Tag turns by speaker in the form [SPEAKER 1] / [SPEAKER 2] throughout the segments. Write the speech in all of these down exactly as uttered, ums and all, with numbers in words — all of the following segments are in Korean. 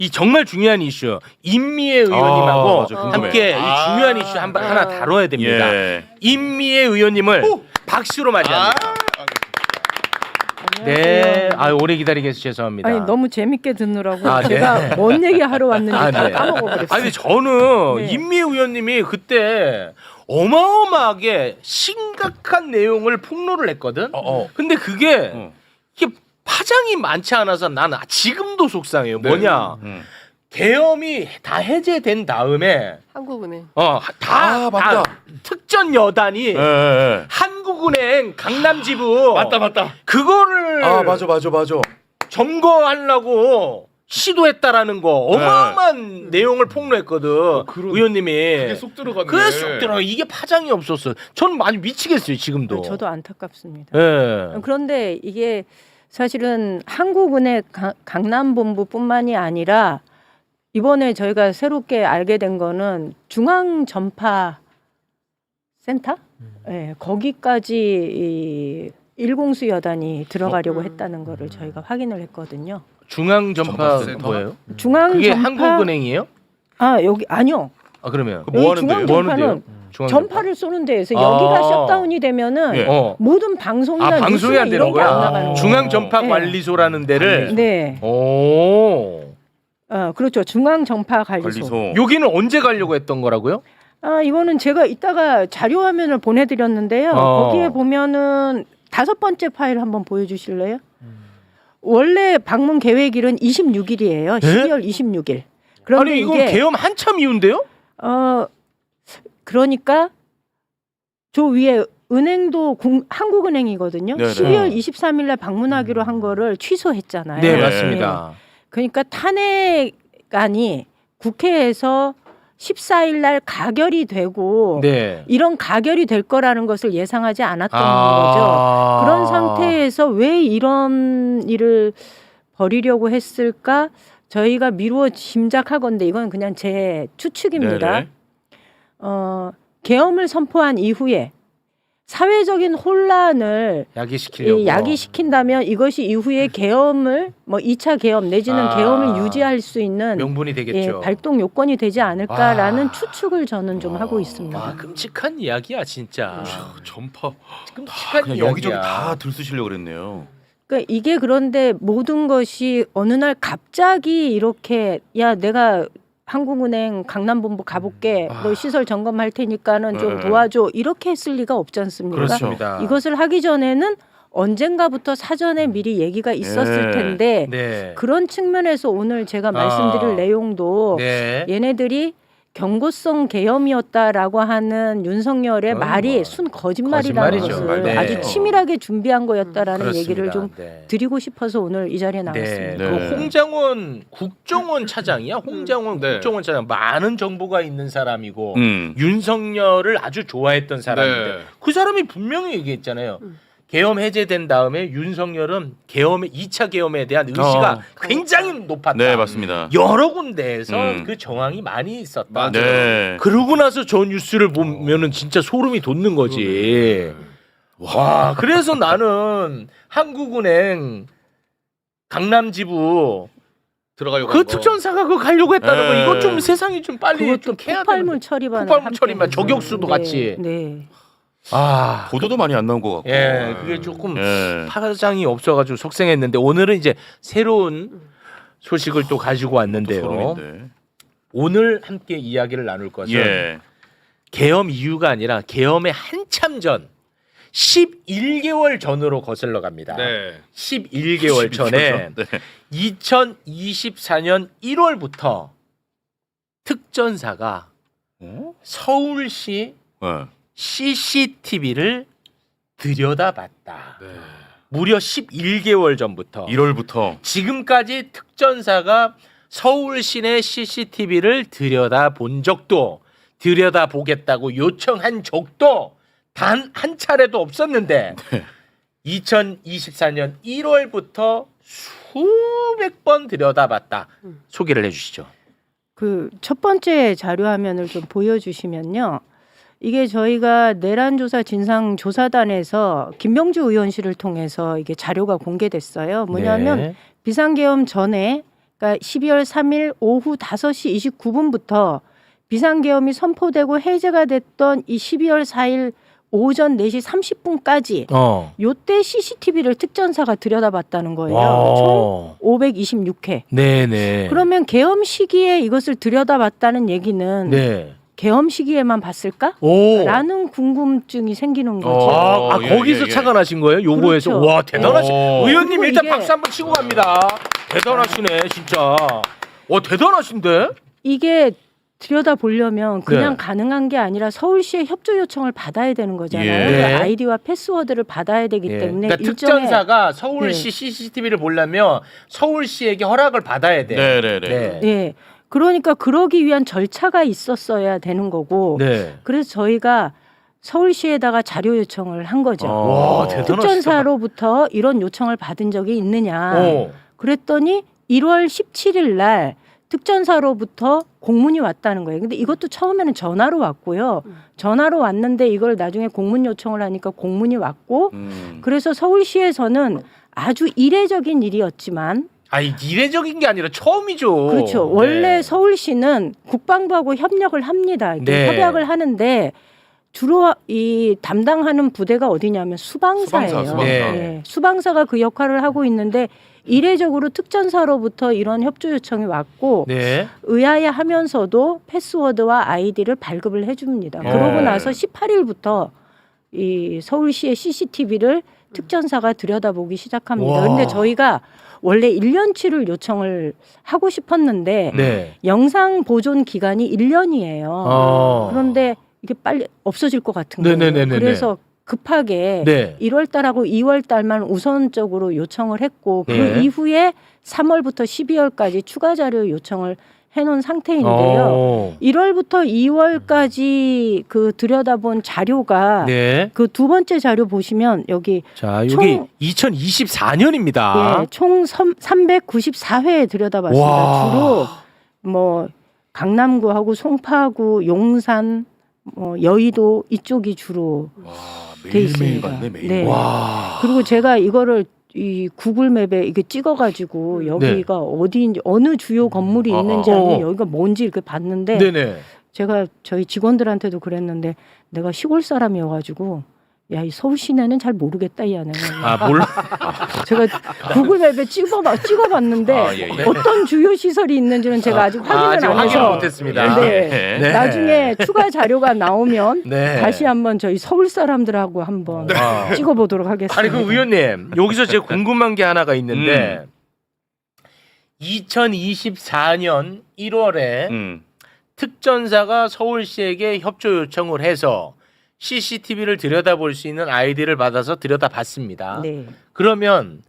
[SPEAKER 1] 이 정말 중요한 이슈 임미애 의원님하고
[SPEAKER 2] 아, 맞아,
[SPEAKER 1] 함께
[SPEAKER 2] 궁금해.
[SPEAKER 1] 이 중요한 이슈 한, 번 하나 다뤄야 됩니다.
[SPEAKER 2] 예.
[SPEAKER 1] 임미애 의원님을
[SPEAKER 3] 오!
[SPEAKER 1] 박수로 맞이합니다. 네, 아 오래 기다리게 해서 죄송합니다.
[SPEAKER 4] 아니 너무 재밌게 듣느라고
[SPEAKER 1] 아, 네.
[SPEAKER 4] 제가 뭔 얘기 하러 왔는지
[SPEAKER 1] 아,
[SPEAKER 4] 다
[SPEAKER 1] 네.
[SPEAKER 4] 까먹어버렸어요.
[SPEAKER 1] 아니 저는
[SPEAKER 4] 네.
[SPEAKER 1] 임미애 의원님이 그때 어마어마하게 심각한 내용을 폭로를 했거든.
[SPEAKER 2] 어, 어.
[SPEAKER 1] 근데 그게
[SPEAKER 2] 어.
[SPEAKER 1] 이게 파장이 많지 않아서 나는 지금도 속상해요.
[SPEAKER 3] 네.
[SPEAKER 1] 뭐냐?
[SPEAKER 2] 음.
[SPEAKER 1] 계엄이 다 해제된 다음에
[SPEAKER 5] 한국은행.
[SPEAKER 1] 어다
[SPEAKER 2] 아, 맞다.
[SPEAKER 1] 특전 여단이
[SPEAKER 2] 예, 예.
[SPEAKER 1] 한국은행 강남지부
[SPEAKER 2] 맞다 맞다.
[SPEAKER 1] 그거를
[SPEAKER 2] 아 맞아 맞아 맞아.
[SPEAKER 1] 점거하려고 시도했다라는 거 어마어마한 내용을 폭로했거든.
[SPEAKER 3] 그런-
[SPEAKER 1] 의원님이
[SPEAKER 3] 그게 쏙 들어갔네.
[SPEAKER 1] 그게 쏙 들어. 이게 파장이 없었어. 저는 많이 미치겠어요 지금도.
[SPEAKER 4] 저도 안타깝습니다.
[SPEAKER 1] 예.
[SPEAKER 4] 그런데 이게 사실은 한국은행 가- 강남본부뿐만이 아니라 이번에 저희가 새롭게 알게 된 거는 중앙전파 센터? 네, 거기까지 이 일공수 여단이 들어가려고
[SPEAKER 5] 어?
[SPEAKER 4] 했다는 거를 저희가 확인을 했거든요.
[SPEAKER 1] 중앙전파
[SPEAKER 3] 전파센터?
[SPEAKER 1] 뭐예요?
[SPEAKER 4] 중앙전파
[SPEAKER 1] 그게 한국은행이에요?
[SPEAKER 4] 아 여기 아니요.
[SPEAKER 1] 아 그러면
[SPEAKER 2] 그 뭐
[SPEAKER 4] 여기
[SPEAKER 2] 하는데요?
[SPEAKER 1] 뭐 하는데요?
[SPEAKER 4] 중앙전파는
[SPEAKER 1] 중앙전파?
[SPEAKER 4] 전파를 쏘는 데에서
[SPEAKER 1] 아.
[SPEAKER 4] 여기가 셧다운이 되면은
[SPEAKER 2] 예.
[SPEAKER 1] 어.
[SPEAKER 4] 모든 방송이나
[SPEAKER 1] 아 방송이
[SPEAKER 4] 뉴스나
[SPEAKER 1] 안 되는
[SPEAKER 4] 이런 게 안
[SPEAKER 1] 거야?
[SPEAKER 4] 나가는 거예요.
[SPEAKER 1] 중앙전파관리소라는 데를.
[SPEAKER 4] 네.
[SPEAKER 1] 오.
[SPEAKER 4] 어, 그렇죠. 중앙전파관리소.
[SPEAKER 2] 관리소.
[SPEAKER 1] 여기는 언제 가려고 했던 거라고요?
[SPEAKER 4] 아, 이거는 제가 이따가 자료 화면을 보내드렸는데요.
[SPEAKER 1] 어.
[SPEAKER 4] 거기에 보면은 다섯 번째 파일 한번 보여주실래요? 원래 방문 계획일은 이십육 일이에요. 십이월 이십육 일. 그런데
[SPEAKER 1] 아니 이건
[SPEAKER 4] 이게
[SPEAKER 1] 계엄 한참 이후인데요?
[SPEAKER 4] 어 그러니까 저 위에 은행도 국- 한국은행이거든요.
[SPEAKER 2] 네네.
[SPEAKER 4] 십이월 이십삼 일날 방문하기로 한 거를 취소했잖아요.
[SPEAKER 1] 네,
[SPEAKER 2] 네.
[SPEAKER 1] 맞습니다.
[SPEAKER 4] 그러니까 탄핵안이 국회에서 십사 일 날 가결이 되고
[SPEAKER 1] 네.
[SPEAKER 4] 이런 가결이 될 거라는 것을 예상하지 않았던
[SPEAKER 1] 아.
[SPEAKER 4] 거죠. 그런 상태에서 왜 이런 일을 벌이려고 했을까? 저희가 미루어 짐작하건데 이건 그냥 제 추측입니다.
[SPEAKER 2] 네네.
[SPEAKER 4] 어, 계엄을 선포한 이후에 사회적인 혼란을
[SPEAKER 1] 야기시키려고.
[SPEAKER 4] 이 야기시킨다면 이것이 이후에 계엄을 뭐 이 차 계엄 내지는
[SPEAKER 1] 아.
[SPEAKER 4] 계엄을 유지할 수 있는
[SPEAKER 1] 명분이
[SPEAKER 4] 예,
[SPEAKER 1] 되겠죠.
[SPEAKER 4] 발동 요건이 되지 않을까라는
[SPEAKER 1] 와.
[SPEAKER 4] 추측을 저는 좀 하고 있습니다.
[SPEAKER 1] 와 끔찍한 이야기야 진짜.
[SPEAKER 3] 전파.
[SPEAKER 1] 끔찍한
[SPEAKER 2] 그냥
[SPEAKER 1] 이야기야.
[SPEAKER 2] 여기저기 다 들쑤시려고 그랬네요.
[SPEAKER 4] 그러니까 이게 그런데 모든 것이 어느 날 갑자기 이렇게 야 내가 한국은행 강남본부 가볼게
[SPEAKER 1] 아.
[SPEAKER 4] 너 시설 점검할 테니까는 좀
[SPEAKER 2] 네.
[SPEAKER 4] 도와줘 이렇게 했을 리가 없지 않습니까?
[SPEAKER 1] 그렇습니다.
[SPEAKER 4] 이것을 하기 전에는 언젠가부터 사전에 미리 얘기가 있었을
[SPEAKER 2] 네.
[SPEAKER 4] 텐데
[SPEAKER 1] 네.
[SPEAKER 4] 그런 측면에서 오늘 제가 말씀드릴
[SPEAKER 1] 아.
[SPEAKER 4] 내용도
[SPEAKER 1] 네.
[SPEAKER 4] 얘네들이 경고성 계엄이었다라고 하는 윤석열의
[SPEAKER 1] 그건
[SPEAKER 4] 말이
[SPEAKER 1] 뭐
[SPEAKER 4] 순 거짓말이라는
[SPEAKER 1] 거짓말이죠.
[SPEAKER 4] 것을
[SPEAKER 1] 네.
[SPEAKER 4] 아주 치밀하게 준비한 거였다라는
[SPEAKER 1] 그렇습니다.
[SPEAKER 4] 얘기를 좀
[SPEAKER 1] 네.
[SPEAKER 4] 드리고 싶어서 오늘 이 자리에
[SPEAKER 1] 네.
[SPEAKER 4] 나왔습니다.
[SPEAKER 2] 네.
[SPEAKER 1] 그 홍장원 국정원 차장이야. 홍장원
[SPEAKER 3] 네.
[SPEAKER 1] 국정원 차장 많은 정보가 있는 사람이고
[SPEAKER 2] 음.
[SPEAKER 1] 윤석열을 아주 좋아했던 사람인데
[SPEAKER 3] 네.
[SPEAKER 1] 그 사람이 분명히 얘기했잖아요.
[SPEAKER 5] 음.
[SPEAKER 1] 계엄 해제된 다음에 윤석열은 계엄 이 차 계엄에 대한 의지가
[SPEAKER 2] 어.
[SPEAKER 1] 굉장히 높았다.
[SPEAKER 2] 네 맞습니다.
[SPEAKER 1] 여러 군데에서
[SPEAKER 2] 음.
[SPEAKER 1] 그 정황이 많이 있었다.
[SPEAKER 3] 맞아요.
[SPEAKER 2] 네.
[SPEAKER 1] 그러고 나서 저 뉴스를 보면은 진짜 소름이 돋는 거지. 와, 그래서 나는 한국은행 강남지부
[SPEAKER 3] 들어가려고.
[SPEAKER 1] 그
[SPEAKER 3] 한 거.
[SPEAKER 1] 특전사가 그 가려고 했다는 거
[SPEAKER 2] 네.
[SPEAKER 1] 이거 좀 세상이 좀 빨리
[SPEAKER 4] 그것도
[SPEAKER 1] 좀 캐야
[SPEAKER 4] 폭발물
[SPEAKER 1] 되는
[SPEAKER 4] 처리반
[SPEAKER 1] 폭발물 처리반, 저격수도 같이.
[SPEAKER 4] 네.
[SPEAKER 1] 아,
[SPEAKER 2] 보도도 많이 안 나온 것 같고.
[SPEAKER 1] 예, 그게 조금
[SPEAKER 2] 예.
[SPEAKER 1] 파장이 없어가지고 속상했는데 오늘은 이제 새로운 소식을 또 가지고
[SPEAKER 2] 또
[SPEAKER 1] 왔는데요.
[SPEAKER 2] 소름인데.
[SPEAKER 1] 오늘 함께 이야기를 나눌 것은
[SPEAKER 2] 예.
[SPEAKER 1] 계엄 이유가 아니라 계엄의 한참 전 십일 개월 전으로 거슬러 갑니다.
[SPEAKER 3] 네.
[SPEAKER 1] 십일 개월 전에
[SPEAKER 2] 네.
[SPEAKER 1] 이천이십사 년 일월부터 특전사가
[SPEAKER 2] 어?
[SPEAKER 1] 서울시
[SPEAKER 2] 네.
[SPEAKER 1] 씨씨티비를 들여다봤다.
[SPEAKER 3] 네.
[SPEAKER 1] 무려 십일 개월 전부터
[SPEAKER 2] 일월부터.
[SPEAKER 1] 지금까지 특전사가 서울 시내 씨씨티비를 들여다본 적도 들여다보겠다고 요청한 적도 단 한 차례도 없었는데
[SPEAKER 2] 네.
[SPEAKER 1] 이천이십사 년 일월부터 수백 번 들여다봤다. 소개를 해주시죠.
[SPEAKER 4] 그 첫 번째 자료 화면을 좀 보여주시면요. 이게 저희가 내란조사 진상조사단에서 김명주 의원실을 통해서 이게 자료가 공개됐어요. 뭐냐면
[SPEAKER 1] 네.
[SPEAKER 4] 비상계엄 전에 그러니까 십이월 삼일 오후 다섯 시 이십구 분부터 비상계엄이 선포되고 해제가 됐던 이 십이월 사일 오전 네 시 삼십 분까지
[SPEAKER 1] 어.
[SPEAKER 4] 요때 씨씨티비를 특전사가 들여다봤다는 거예요.
[SPEAKER 1] 와.
[SPEAKER 4] 총 오백이십육 회.
[SPEAKER 1] 네네.
[SPEAKER 4] 그러면 계엄 시기에 이것을 들여다봤다는 얘기는
[SPEAKER 1] 네.
[SPEAKER 4] 계엄 시기에만 봤을까?
[SPEAKER 1] 오.
[SPEAKER 4] 라는 궁금증이 생기는 거죠.
[SPEAKER 1] 아, 아
[SPEAKER 2] 예,
[SPEAKER 1] 거기서
[SPEAKER 2] 예, 예.
[SPEAKER 1] 착안하신 거예요? 요거에서
[SPEAKER 4] 그렇죠.
[SPEAKER 1] 와 대단하시.
[SPEAKER 2] 오.
[SPEAKER 1] 의원님
[SPEAKER 4] 그리고
[SPEAKER 1] 일단
[SPEAKER 4] 이게-
[SPEAKER 1] 박수 한번 치고 갑니다. 대단하시네 진짜. 와 대단하신데?
[SPEAKER 4] 이게 들여다 보려면 그냥
[SPEAKER 1] 네.
[SPEAKER 4] 가능한 게 아니라 서울시의 협조 요청을 받아야 되는 거잖아요.
[SPEAKER 2] 예.
[SPEAKER 4] 그
[SPEAKER 1] 네.
[SPEAKER 4] 아이디와 패스워드를 받아야 되기
[SPEAKER 1] 예.
[SPEAKER 4] 때문에
[SPEAKER 1] 그러니까
[SPEAKER 4] 일종의
[SPEAKER 1] 특전사가 서울시
[SPEAKER 4] 네.
[SPEAKER 1] 씨씨티비를 보려면 서울시에게 허락을 받아야 돼.
[SPEAKER 2] 네네네.
[SPEAKER 1] 네.
[SPEAKER 4] 예. 그러니까 그러기 위한 절차가 있었어야 되는 거고
[SPEAKER 1] 네.
[SPEAKER 4] 그래서 저희가 서울시에다가 자료 요청을 한 거죠.
[SPEAKER 2] 어.
[SPEAKER 1] 와 대단하시다.
[SPEAKER 4] 특전사로부터 이런 요청을 받은 적이 있느냐.
[SPEAKER 1] 어.
[SPEAKER 4] 그랬더니 일월 십칠일 날 특전사로부터 공문이 왔다는 거예요. 근데 이것도 처음에는 전화로 왔고요. 전화로 왔는데 이걸 나중에 공문 요청을 하니까 공문이 왔고
[SPEAKER 2] 음.
[SPEAKER 4] 그래서 서울시에서는 아주 이례적인 일이었지만
[SPEAKER 1] 아니 이례적인 게 아니라 처음이죠.
[SPEAKER 4] 그렇죠.
[SPEAKER 1] 네.
[SPEAKER 4] 원래 서울시는 국방부하고 협력을 합니다. 이렇게
[SPEAKER 1] 네.
[SPEAKER 4] 협약을 하는데 주로 이 담당하는 부대가 어디냐면 수방사예요.
[SPEAKER 2] 수방사, 수방사.
[SPEAKER 1] 네.
[SPEAKER 4] 수방사가 그 역할을 하고 있는데 이례적으로 특전사로부터 이런 협조 요청이 왔고
[SPEAKER 1] 네.
[SPEAKER 4] 의아해하면서도 패스워드와 아이디를 발급을 해줍니다.
[SPEAKER 1] 네.
[SPEAKER 4] 그러고 나서 십팔일부터 이 서울시의 씨씨티비를 특전사가 들여다보기 시작합니다.
[SPEAKER 1] 와.
[SPEAKER 4] 그런데 저희가 원래 일 년치를 요청을 하고 싶었는데
[SPEAKER 1] 네.
[SPEAKER 4] 영상 보존 기간이 일 년이에요.
[SPEAKER 1] 어.
[SPEAKER 4] 그런데 이게 빨리 없어질 것 같은 거예요.
[SPEAKER 1] 네네네네네.
[SPEAKER 4] 그래서 급하게
[SPEAKER 1] 네.
[SPEAKER 4] 일월 달하고 이월 달만 우선적으로 요청을 했고 그
[SPEAKER 1] 네.
[SPEAKER 4] 이후에 삼월부터 십이월까지 추가 자료 요청을 해놓은 상태인데요.
[SPEAKER 1] 어.
[SPEAKER 4] 일월부터 이월까지 그 들여다본 자료가
[SPEAKER 1] 네.
[SPEAKER 4] 그 두 번째 자료 보시면 여기
[SPEAKER 1] 자 여기
[SPEAKER 4] 총-
[SPEAKER 1] 이천이십사 년입니다.
[SPEAKER 4] 예, 총 삼백구십사 회 들여다봤습니다.
[SPEAKER 1] 와.
[SPEAKER 4] 주로 뭐 강남구하고 송파구, 용산, 뭐 여의도 이쪽이 주로
[SPEAKER 2] 와,
[SPEAKER 4] 돼
[SPEAKER 2] 매일매일
[SPEAKER 4] 있습니다.
[SPEAKER 2] 봤네 매일.
[SPEAKER 4] 네.
[SPEAKER 1] 와.
[SPEAKER 4] 그리고 제가 이거를 이 구글맵에 이게 찍어가지고 여기가 어디인지 어느 주요 건물이
[SPEAKER 1] 어,
[SPEAKER 4] 있는지
[SPEAKER 1] 어,
[SPEAKER 4] 아니면
[SPEAKER 1] 어.
[SPEAKER 4] 여기가 뭔지 이렇게 봤는데
[SPEAKER 1] 네네.
[SPEAKER 4] 제가 저희 직원들한테도 그랬는데 내가 시골 사람이어가지고 야 이 서울 시내는 잘 모르겠다 이 안에
[SPEAKER 1] 아 몰라.
[SPEAKER 4] 제가 구글맵에 찍어봐 찍어봤는데
[SPEAKER 2] 아, 예, 예.
[SPEAKER 4] 어떤 주요 시설이 있는지는 제가 아직 확인을
[SPEAKER 1] 아직
[SPEAKER 4] 안
[SPEAKER 1] 확인을
[SPEAKER 4] 해서
[SPEAKER 1] 못했습니다.
[SPEAKER 4] 네.
[SPEAKER 1] 네.
[SPEAKER 4] 나중에 추가 자료가 나오면
[SPEAKER 1] 네.
[SPEAKER 4] 다시 한번 저희 서울 사람들하고 한번
[SPEAKER 1] 아.
[SPEAKER 4] 찍어보도록 하겠습니다.
[SPEAKER 1] 아니 그 의원님 여기서 제가 궁금한 게 하나가 있는데 이천이십사 년 일월에
[SPEAKER 2] 음.
[SPEAKER 1] 특전사가 서울시에게 협조 요청을 해서 씨씨티비를 들여다볼 수 있는 아이디를 받아서 들여다봤습니다.
[SPEAKER 4] 네.
[SPEAKER 1] 그러면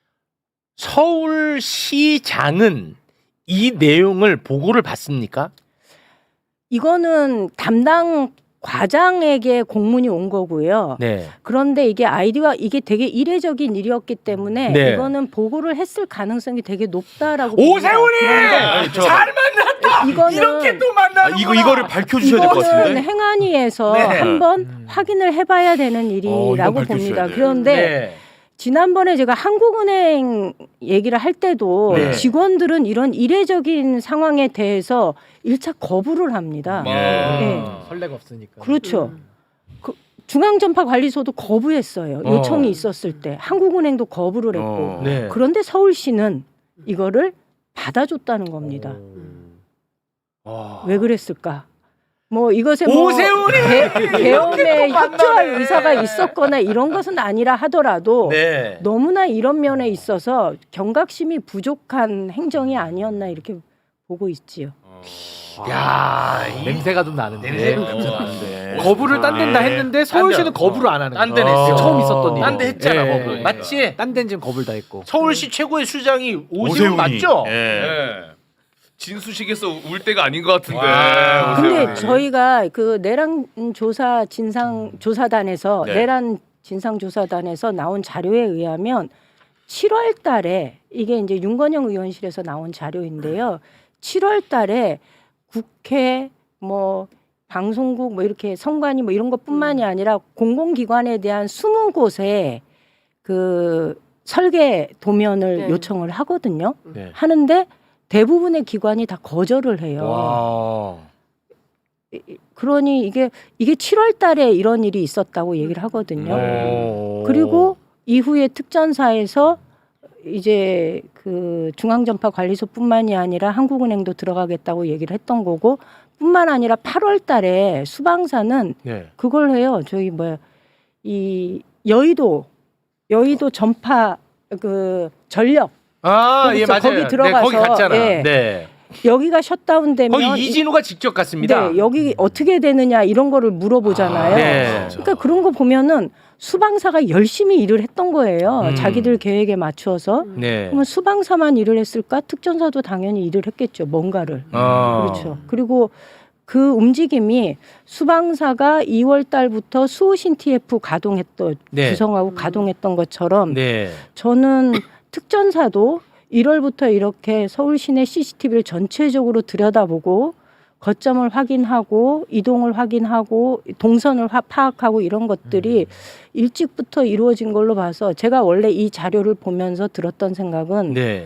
[SPEAKER 1] 서울시장은 이 내용을 보고를 받습니까?
[SPEAKER 4] 이거는 담당 과장에게 공문이 온 거고요.
[SPEAKER 1] 네.
[SPEAKER 4] 그런데 이게 아이디가 이게 되게 이례적인 일이었기 때문에
[SPEAKER 1] 네.
[SPEAKER 4] 이거는 보고를 했을 가능성이 되게 높다라고
[SPEAKER 1] 오세훈이
[SPEAKER 4] 봅니다.
[SPEAKER 2] 아니, 저-
[SPEAKER 1] 잘 만났다.
[SPEAKER 4] 이거는
[SPEAKER 1] 이렇게 또
[SPEAKER 2] 아,
[SPEAKER 1] 만나는
[SPEAKER 2] 이거 이거를 밝혀주셔야 될 것
[SPEAKER 4] 이거는
[SPEAKER 2] 같은데.
[SPEAKER 4] 행안위에서
[SPEAKER 1] 네.
[SPEAKER 4] 한번
[SPEAKER 1] 음.
[SPEAKER 4] 확인을 해봐야 되는
[SPEAKER 2] 어,
[SPEAKER 4] 일이라고
[SPEAKER 2] 이건
[SPEAKER 4] 봅니다.
[SPEAKER 2] 밝혀주셔야 돼요.
[SPEAKER 4] 그런데
[SPEAKER 1] 네.
[SPEAKER 4] 지난번에 제가 한국은행 얘기를 할 때도
[SPEAKER 1] 네.
[SPEAKER 4] 직원들은 이런 이례적인 상황에 대해서 일차 거부를 합니다.
[SPEAKER 2] 예.
[SPEAKER 4] 네.
[SPEAKER 3] 설레가 없으니까.
[SPEAKER 4] 그렇죠. 그 중앙전파관리소도 거부했어요.
[SPEAKER 1] 어.
[SPEAKER 4] 요청이 있었을 때 한국은행도 거부를 했고
[SPEAKER 2] 어.
[SPEAKER 1] 네.
[SPEAKER 4] 그런데 서울시는 이거를 받아줬다는 겁니다.
[SPEAKER 1] 와.
[SPEAKER 4] 왜 그랬을까? 뭐 이것에 뭐
[SPEAKER 1] 오세훈이
[SPEAKER 4] 개- 계엄에
[SPEAKER 1] 또
[SPEAKER 4] 협조할
[SPEAKER 1] 만나네.
[SPEAKER 4] 의사가 있었거나 이런 것은 아니라 하더라도
[SPEAKER 1] 네.
[SPEAKER 4] 너무나 이런 면에 있어서 경각심이 부족한 행정이 아니었나 이렇게 보고 있지요.
[SPEAKER 1] 야, 이
[SPEAKER 3] 냄새가 좀 나는데.
[SPEAKER 1] 냄새
[SPEAKER 2] 네.
[SPEAKER 1] 냄새 나는데.
[SPEAKER 3] 거부를 딴 데는 다
[SPEAKER 1] 네.
[SPEAKER 3] 했는데 서울시는
[SPEAKER 1] 딴 데,
[SPEAKER 3] 거부를
[SPEAKER 1] 어.
[SPEAKER 3] 안 하는
[SPEAKER 1] 딴
[SPEAKER 3] 거야.
[SPEAKER 1] 데는 했어.
[SPEAKER 3] 처음 있었던 일.
[SPEAKER 1] 딴 데 했잖아,
[SPEAKER 3] 예.
[SPEAKER 1] 거부. 맞지?
[SPEAKER 3] 딴 데는 지금 거부를 다 했고.
[SPEAKER 1] 서울시 최고의 수장이 오세훈
[SPEAKER 2] 오세훈이.
[SPEAKER 1] 맞죠?
[SPEAKER 2] 예.
[SPEAKER 5] 네. 진수식에서 울 때가 아닌 것 같은데.
[SPEAKER 1] 와.
[SPEAKER 4] 근데
[SPEAKER 5] 오세훈이.
[SPEAKER 4] 저희가 그 내란 조사 진상 조사단에서
[SPEAKER 2] 네.
[SPEAKER 4] 내란 진상 조사단에서 나온 자료에 의하면 칠월 달에 이게 이제 윤건영 의원실에서 나온 자료인데요. 칠월 달에 국회 뭐 방송국 뭐 이렇게 선관위 뭐 이런 것뿐만이 아니라 공공기관에 대한 이십 곳에 그 설계 도면을
[SPEAKER 6] 네.
[SPEAKER 4] 요청을 하거든요.
[SPEAKER 1] 네.
[SPEAKER 4] 하는데 대부분의 기관이 다 거절을 해요.
[SPEAKER 1] 와.
[SPEAKER 4] 그러니 이게 이게 칠월 달에 이런 일이 있었다고 얘기를 하거든요.
[SPEAKER 1] 오.
[SPEAKER 4] 그리고 이후에 특전사에서 이제 그 중앙전파관리소뿐만이 아니라 한국은행도 들어가겠다고 얘기를 했던 거고, 뿐만 아니라 팔월 달에 수방사는
[SPEAKER 1] 네.
[SPEAKER 4] 그걸 해요. 저희 뭐야 이 여의도 여의도 전파 그 전력
[SPEAKER 1] 아,
[SPEAKER 4] 거기
[SPEAKER 1] 예,
[SPEAKER 4] 있죠.
[SPEAKER 1] 맞아요.
[SPEAKER 4] 거기
[SPEAKER 1] 네,
[SPEAKER 4] 들어가서,
[SPEAKER 1] 거기 갔잖아.
[SPEAKER 4] 예.
[SPEAKER 1] 네.
[SPEAKER 4] 여기가 셧다운되면
[SPEAKER 1] 거기 이진우가 직접 갔습니다.
[SPEAKER 4] 네, 여기 어떻게 되느냐 이런 거를 물어보잖아요.
[SPEAKER 1] 아, 네.
[SPEAKER 4] 그러니까 그런 거 보면은 수방사가 열심히 일을 했던 거예요.
[SPEAKER 1] 음.
[SPEAKER 4] 자기들 계획에 맞추어서.
[SPEAKER 1] 네.
[SPEAKER 4] 그러면 수방사만 일을 했을까? 특전사도 당연히 일을 했겠죠. 뭔가를.
[SPEAKER 1] 어.
[SPEAKER 4] 그렇죠. 그리고 그 움직임이 수방사가 이월 달부터 수호신 티에프 가동했던
[SPEAKER 1] 네.
[SPEAKER 4] 구성하고 가동했던 것처럼
[SPEAKER 1] 네.
[SPEAKER 4] 저는 특전사도 일월부터 이렇게 서울 시내 씨씨티비를 전체적으로 들여다보고 거점을 확인하고 이동을 확인하고 동선을 화- 파악하고 이런 것들이 일찍부터 이루어진 걸로 봐서 제가 원래 이 자료를 보면서 들었던 생각은
[SPEAKER 1] 네.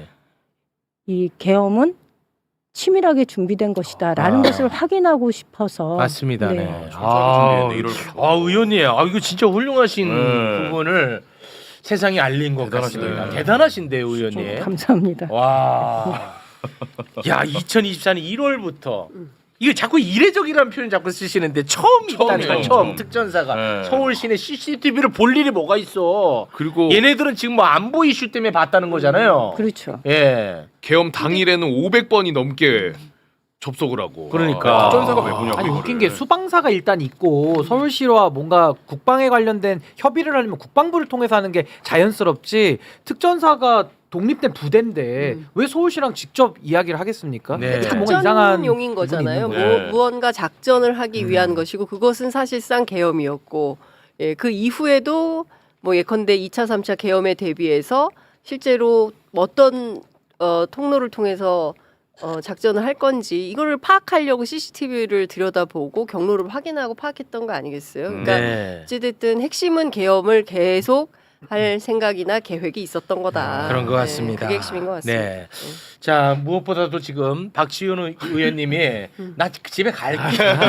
[SPEAKER 4] 이 계엄은 치밀하게 준비된 것이다라는
[SPEAKER 1] 아.
[SPEAKER 4] 것을 확인하고 싶어서
[SPEAKER 1] 맞습니다. 네.
[SPEAKER 4] 네.
[SPEAKER 1] 아,
[SPEAKER 2] 준비했네, 일월부터.
[SPEAKER 1] 아, 의원님, 아 이거 진짜 훌륭하신
[SPEAKER 2] 네.
[SPEAKER 1] 부분을 세상에 알린 것
[SPEAKER 2] 대단하시네요.
[SPEAKER 1] 같습니다. 대단하신데요, 의원님.
[SPEAKER 4] 좀 감사합니다.
[SPEAKER 1] 와, 야, 이천이십사 년 일월부터 이거 자꾸 이례적이라는 표현 자꾸 쓰시는데 처음 있다니까
[SPEAKER 2] 처음이에요,
[SPEAKER 1] 처음
[SPEAKER 2] 처음.
[SPEAKER 1] 특전사가
[SPEAKER 2] 네.
[SPEAKER 1] 서울 시내 씨씨티비를 볼 일이 뭐가 있어?
[SPEAKER 5] 그리고
[SPEAKER 1] 얘네들은 지금 뭐 안보 이슈 때문에 봤다는 거잖아요.
[SPEAKER 4] 그렇죠.
[SPEAKER 1] 예,
[SPEAKER 5] 계엄 당일에는 오백 번이 넘게 접속을 하고.
[SPEAKER 1] 그러니까.
[SPEAKER 2] 특전사가 왜 보냐고.
[SPEAKER 3] 아니
[SPEAKER 2] 이거를.
[SPEAKER 3] 웃긴 게 수방사가 일단 있고 서울시와 뭔가 국방에 관련된 협의를 하려면 국방부를 통해서 하는 게 자연스럽지, 특전사가 독립된 부대인데
[SPEAKER 6] 음.
[SPEAKER 3] 왜 서울시랑 직접 이야기를 하겠습니까?
[SPEAKER 1] 네.
[SPEAKER 3] 참 뭔가 이상한
[SPEAKER 6] 작전용인 거잖아요.
[SPEAKER 3] 부분이
[SPEAKER 6] 무,
[SPEAKER 2] 있는 거예요.
[SPEAKER 6] 무언가 작전을 하기 위한
[SPEAKER 3] 음.
[SPEAKER 6] 것이고 그것은 사실상 계엄이었고, 예, 그 이후에도 뭐 예컨대 이 차, 삼 차 계엄에 대비해서 실제로 어떤 어, 통로를 통해서 어, 작전을 할 건지 이거를 파악하려고 씨씨티비를 들여다보고 경로를 확인하고 파악했던 거 아니겠어요? 그러니까
[SPEAKER 1] 네.
[SPEAKER 6] 어찌됐든 핵심은 계엄을 계속 할 생각이나 계획이 있었던 거다.
[SPEAKER 1] 그런 것
[SPEAKER 6] 네,
[SPEAKER 1] 같습니다.
[SPEAKER 6] 그게 핵심인 것 같습니다.
[SPEAKER 1] 네. 자, 무엇보다도 지금 박지훈 의- 의원님이 나 집에 갈게.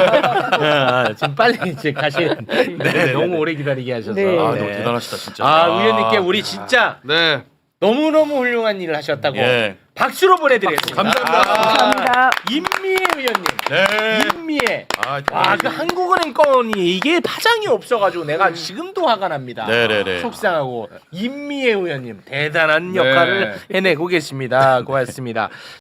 [SPEAKER 1] 아, 지금 빨리 이제 가시. 네, 너무 오래 기다리게 하셔서.
[SPEAKER 4] 네.
[SPEAKER 2] 아,
[SPEAKER 1] 네.
[SPEAKER 2] 너무 대단하시다 진짜.
[SPEAKER 1] 아, 의원님께 우리 진짜
[SPEAKER 5] 네.
[SPEAKER 1] 너무 너무 훌륭한 일을 하셨다고
[SPEAKER 2] 예.
[SPEAKER 1] 박수로 보내드리겠습니다.
[SPEAKER 2] 감사합니다.
[SPEAKER 1] 아,
[SPEAKER 4] 감사합니다.
[SPEAKER 1] 임미애 의원님.
[SPEAKER 2] 네.
[SPEAKER 1] 임미애.
[SPEAKER 2] 아,
[SPEAKER 1] 와,
[SPEAKER 2] 대단하시네.
[SPEAKER 1] 그 한국은행 건이 이게 파장이 없어가지고 내가 지금도 화가 납니다.
[SPEAKER 2] 네네네.
[SPEAKER 1] 속상하고 임미애 의원님 대단한
[SPEAKER 5] 네.
[SPEAKER 1] 역할을 해내고 계십니다. 고맙습니다.